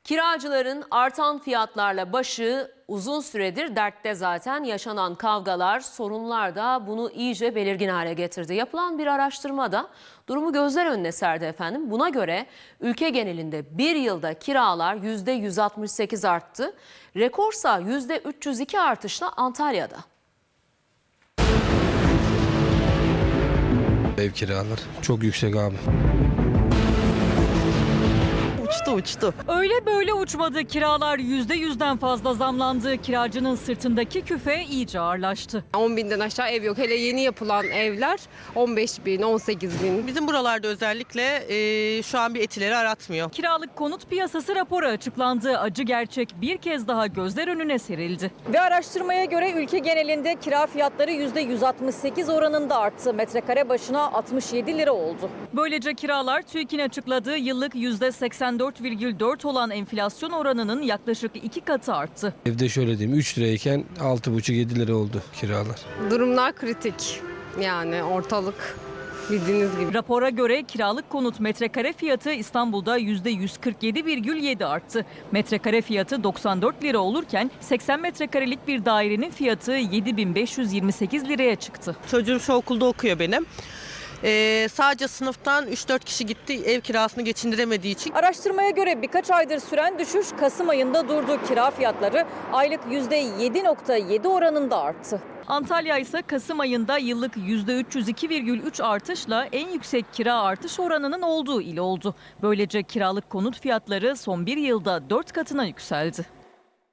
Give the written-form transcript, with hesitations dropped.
Kiracıların artan fiyatlarla başı uzun süredir dertte zaten. Yaşanan kavgalar, sorunlar da bunu iyice belirgin hale getirdi. Yapılan bir araştırmada durumu gözler önüne serdi efendim. Buna göre ülke genelinde bir yılda kiralar %168 arttı. Rekorsa %302 artışla Antalya'da. Ev kiraları çok yüksek abi. Uçtu. Öyle böyle uçmadı. Kiralar %100'den fazla zamlandı. Kiracının sırtındaki küfe iyice ağırlaştı. 10 binden aşağı ev yok. Hele yeni yapılan evler 15 bin, 18 bin. Bizim buralarda özellikle şu an bir etileri aratmıyor. Kiralık konut piyasası raporu açıklandı. Acı gerçek bir kez daha gözler önüne serildi. Ve araştırmaya göre ülke genelinde kira fiyatları %168 oranında arttı. Metrekare başına 67 lira oldu. Böylece kiralar TÜİK'in açıkladığı yıllık %84,4 olan enflasyon oranının yaklaşık 2 katı arttı. Evde şöyle diyeyim 3 lirayken 6,5-7 lira oldu kiralar. Durumlar kritik. Yani ortalık bildiğiniz gibi. Rapora göre kiralık konut metrekare fiyatı İstanbul'da %147,7 arttı. Metrekare fiyatı 94 lira olurken 80 metrekarelik bir dairenin fiyatı 7.528 liraya çıktı. Çocuğum şu okulda okuyor benim. Sadece sınıftan 3-4 kişi gitti ev kirasını geçindiremediği için. Araştırmaya göre birkaç aydır süren düşüş Kasım ayında durdu. Kira fiyatları aylık %7,7 oranında arttı. Antalya ise Kasım ayında yıllık %302,3 artışla en yüksek kira artış oranının olduğu il oldu. Böylece kiralık konut fiyatları son bir yılda 4 katına yükseldi.